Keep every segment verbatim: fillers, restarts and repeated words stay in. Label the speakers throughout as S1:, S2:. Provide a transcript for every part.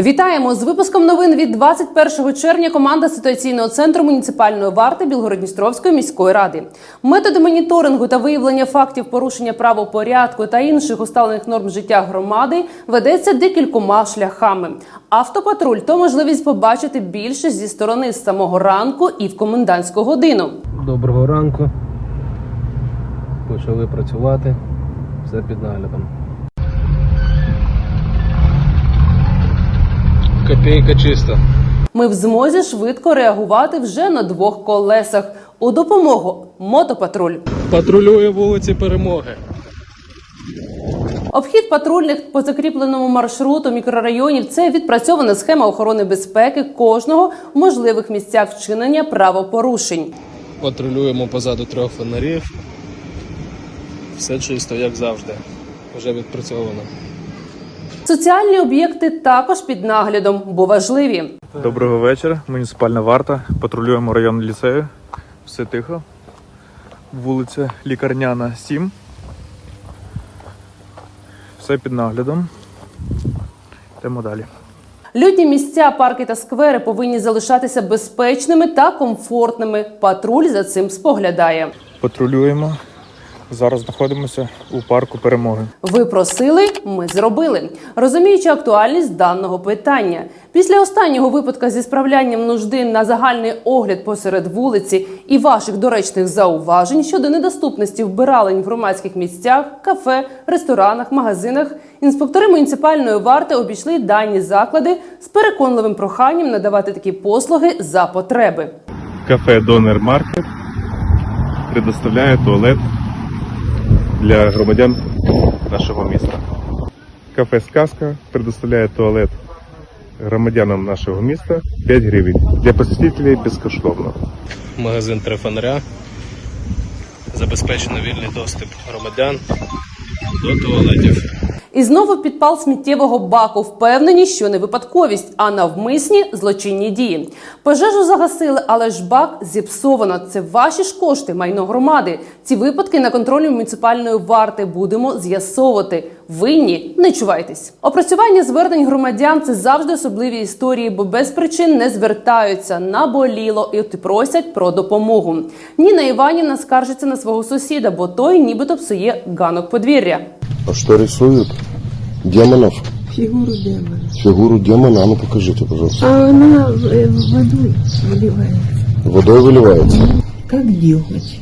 S1: Вітаємо! З випуском новин від двадцять першого червня команда ситуаційного центру муніципальної варти Білгород-Дністровської міської ради. Методи моніторингу та виявлення фактів порушення правопорядку та інших усталених норм життя громади ведеться декількома шляхами. Автопатруль – то можливість побачити більше зі сторони з самого ранку і в комендантську годину.
S2: Доброго ранку. Почали працювати. Все під наглядом. Копійка чиста.
S1: Ми в змозі швидко реагувати вже на двох колесах. У допомогу – мотопатруль.
S2: Патрулює вулиці Перемоги.
S1: Обхід патрульних по закріпленому маршруту мікрорайонів – це відпрацьована схема охорони безпеки кожного в можливих місцях вчинення правопорушень.
S2: Патрулюємо позаду трьох фонарів. Все чисто, як завжди. Вже відпрацьовано.
S1: Соціальні об'єкти також під наглядом, бо важливі.
S3: Доброго вечора. Муніципальна варта. Патрулюємо район ліцею. Все тихо. Вулиця Лікарняна, сім. Все під наглядом. Йдемо далі.
S1: Людні місця, парки та сквери повинні залишатися безпечними та комфортними. Патруль за цим споглядає.
S3: Патрулюємо. Зараз знаходимося у парку Перемоги.
S1: Ви просили, ми зробили. Розуміючи актуальність даного питання. Після останнього випадку зі справлянням нужди на загальний огляд посеред вулиці і ваших доречних зауважень щодо недоступності вбиралень в громадських місцях, кафе, ресторанах, магазинах, інспектори муніципальної варти обійшли дані заклади з переконливим проханням надавати такі послуги за потреби.
S3: Кафе Донер Маркет предоставляє туалет для громадян нашого міста. Кафе «Сказка» предоставляє туалет громадянам нашого міста п'ять гривень. Для посетителей безкоштовно.
S2: Магазин «Три фонаря». Забезпечено вільний доступ громадян до туалетів.
S1: І знову підпал сміттєвого баку. Впевнені, що не випадковість, а навмисні злочинні дії. Пожежу загасили, але ж бак зіпсовано. Це ваші ж кошти, майно громади. Ці випадки на контролі муніципальної варти будемо з'ясовувати. Винні – не чувайтесь. Опрацювання звернень громадян – це завжди особливі історії, бо без причин не звертаються, наболіло і просять про допомогу. Ніна Іванівна скаржиться на свого сусіда, бо той нібито псує ганок подвір'я.
S4: А что рисуют? Демонов?
S5: Фигуру демона.
S4: Фигуру демона? А ну покажите, пожалуйста.
S5: А она э, водой выливается.
S4: Водой выливается?
S5: Как деготь,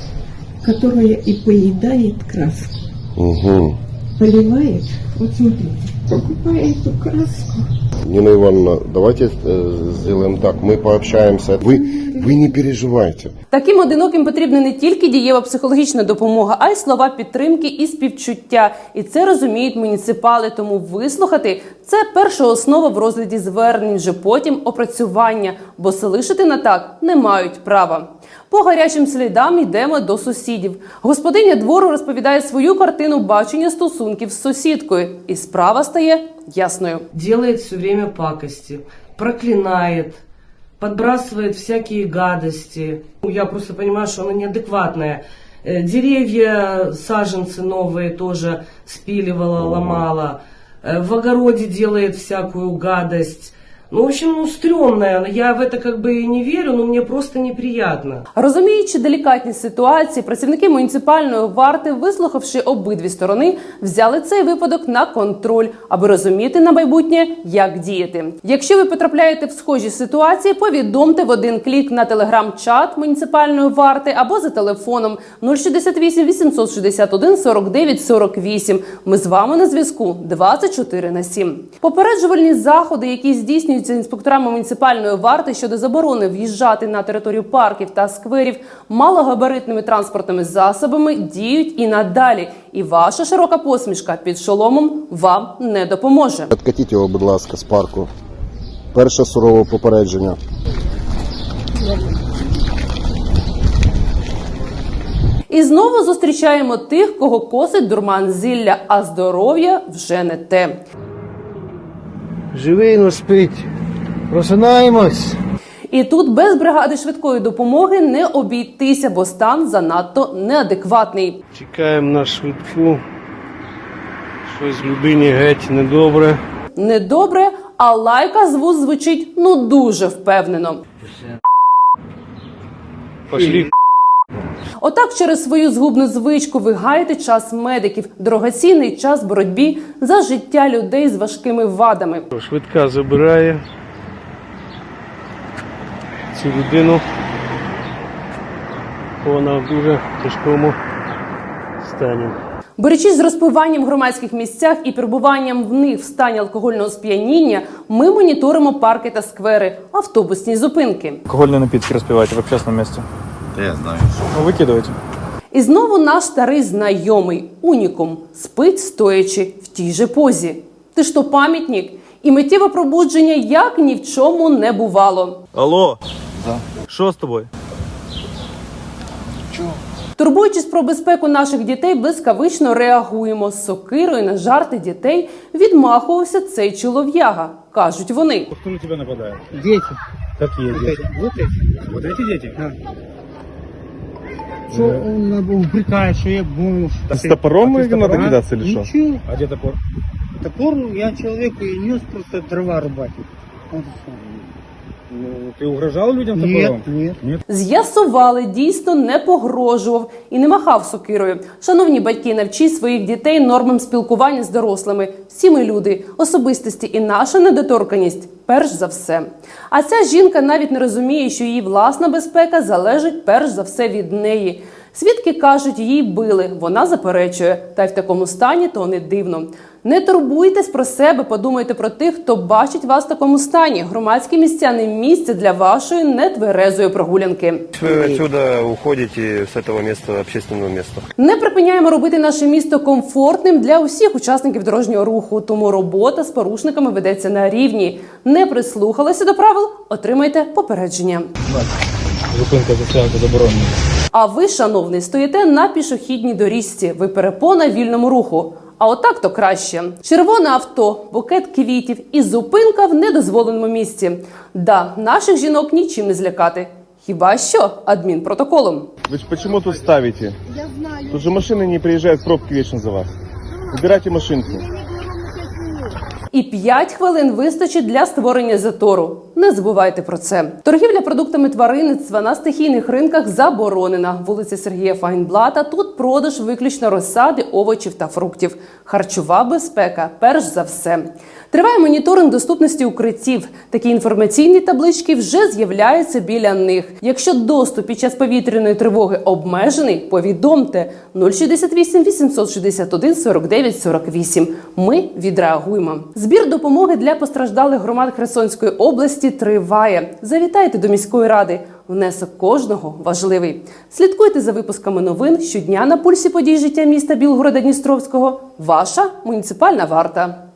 S5: которая и поедает краску.
S4: Угу.
S5: Поливает, вот смотрите, покупая эту краску.
S4: Нина Ивановна, давайте э, сделаем так. Мы пообщаемся. Вы, вы не переживайте.
S1: Таким одиноким потрібна не тільки дієва психологічна допомога, а й слова підтримки і співчуття. І це розуміють муніципали, тому вислухати – це перша основа в розгляді звернень, вже потім опрацювання, бо залишити на так не мають права. По гарячим слідам йдемо до сусідів. Господиня двору розповідає свою картину бачення стосунків з сусідкою. І справа стає ясною.
S6: Делает все время пакости, проклинает, подбрасывает всякие гадости. Я просто понимаю, что она неадекватная. Э, Деревья, саженцы новые тоже спиливала, ломала. Э, В огороде делает всякую гадость. Ну, в общем, ну, стрёмная. Я в это как бы и не верю, но мне просто неприятно.
S1: Розуміючи делікатність ситуації, працівники муніципальної варти, вислухавши обидві сторони, взяли цей випадок на контроль, аби розуміти на майбутнє, як діяти. Якщо ви потрапляєте в схожі ситуації, повідомте в один клік на телеграм-чат муніципальної варти або за телефоном нуль шістдесят вісім вісімсот шістдесят один сорок дев'ять сорок вісім. Ми з вами на зв'язку двадцять чотири на сім. Попереджувальні заходи, які здійснюють інспекторами муніципальної варти щодо заборони в'їжджати на територію парків та скверів малогабаритними транспортними засобами, діють і надалі. І ваша широка посмішка під шоломом вам не допоможе.
S4: Откатіть його, будь ласка, з парку. Перше сурове попередження.
S1: І знову зустрічаємо тих, кого косить дурман зілля, а здоров'я вже не те.
S7: Живий, но спить. Просинаємось.
S1: І тут без бригади швидкої допомоги не обійтися, бо стан занадто неадекватний.
S7: Чекаємо на швидку. Щось людині геть недобре.
S1: Недобре, а лайка з вуз звучить ну дуже впевнено.
S2: Пошли.
S1: Отак через свою згубну звичку ви гаєте час медиків, дорогоцінний час боротьбі за життя людей з важкими вадами.
S7: Швидка забирає цю людину. Вона в дуже тяжкому стані.
S1: Борючись з розпиванням в громадських місцях і перебуванням в них в стані алкогольного сп'яніння, ми моніторимо парки та сквери, автобусні зупинки.
S3: Алкогольные напитки распивайте в общественном месте.
S8: Да я знаю.
S3: Ну, выкидывайте.
S1: І знову наш старий знайомий, унікум, спить стоячи в тій же позі. Ти ж то пам'ятник? І миттєве пробудження як ні в чому не бувало.
S3: Алло. Да. Что с тобой?
S1: Турбуючись про безпеку наших дітей, блискавично реагуємо. З сокирою на жарти дітей відмахувався цей чолов'яга, кажуть вони.
S9: Кто на тебя нападает?
S7: Дети.
S9: Какие
S7: Вот
S9: дети?
S7: эти. Вот эти.
S9: Вот эти дети?
S7: Да. Что он упрекает, что я бомж.
S9: С топором
S7: А ты с
S9: надо
S7: топором?
S9: кидаться или что?
S7: Ничего.
S9: А где топор?
S7: Топор я человеку и нес просто дрова рубать. Вот и всё.
S9: Ну, ты угрожал людям
S7: Нет,
S9: топором?
S7: нет.
S1: З'ясували, дійсно не погрожував і не махав сокирою. Шановні батьки, навчіть своїх дітей нормам спілкування з дорослими. Всі ми люди, особистості і наша недоторканність перш за все. А ця жінка навіть не розуміє, що її власна безпека залежить перш за все від неї. Свідки кажуть, її били, вона заперечує. Та й в такому стані то не дивно. Не турбуйтесь про себе, подумайте про тих, хто бачить вас в такому стані. Громадські місця не місце для вашої нетверезої прогулянки.
S8: Вы отсюда уходите с этого места, общественного места.
S1: Не припиняємо робити наше місто комфортним для усіх учасників дорожнього руху, тому робота з порушниками ведеться на рівні. Не прислухалися до правил – отримайте попередження.
S9: Зупинка застрянка заборонена.
S1: А ви, шановний, стоїте на пішохідній доріжці, ви перепона вільному руху. А отак то краще. Червоне авто, букет квітів і зупинка в недозволеному місці. Да, наших жінок нічим не злякати. Хіба що адмінпротоколом.
S10: Вы ж почему тут ставите?
S5: Я знаю.
S10: Тут же машины не приезжают, пробки вечно за вас. Убирайте машинку.
S1: І п'ять хвилин вистачить для створення затору. Не забувайте про це. Торгівля продуктами тваринництва на стихійних ринках заборонена. Вулиця Сергія Файнблата. Тут продаж виключно розсади, овочів та фруктів. Харчова безпека – перш за все. Триває моніторинг доступності укриттів. Такі інформаційні таблички вже з'являються біля них. Якщо доступ під час повітряної тривоги обмежений, повідомте нуль шістдесят вісім вісімсот шістдесят один сорок дев'ять сорок вісім. Ми відреагуємо. Збір допомоги для постраждалих громад Херсонської області триває. Завітайте до міської ради. Внесок кожного важливий. Слідкуйте за випусками новин щодня на пульсі подій життя міста Білгорода Дністровського. Ваша муніципальна варта.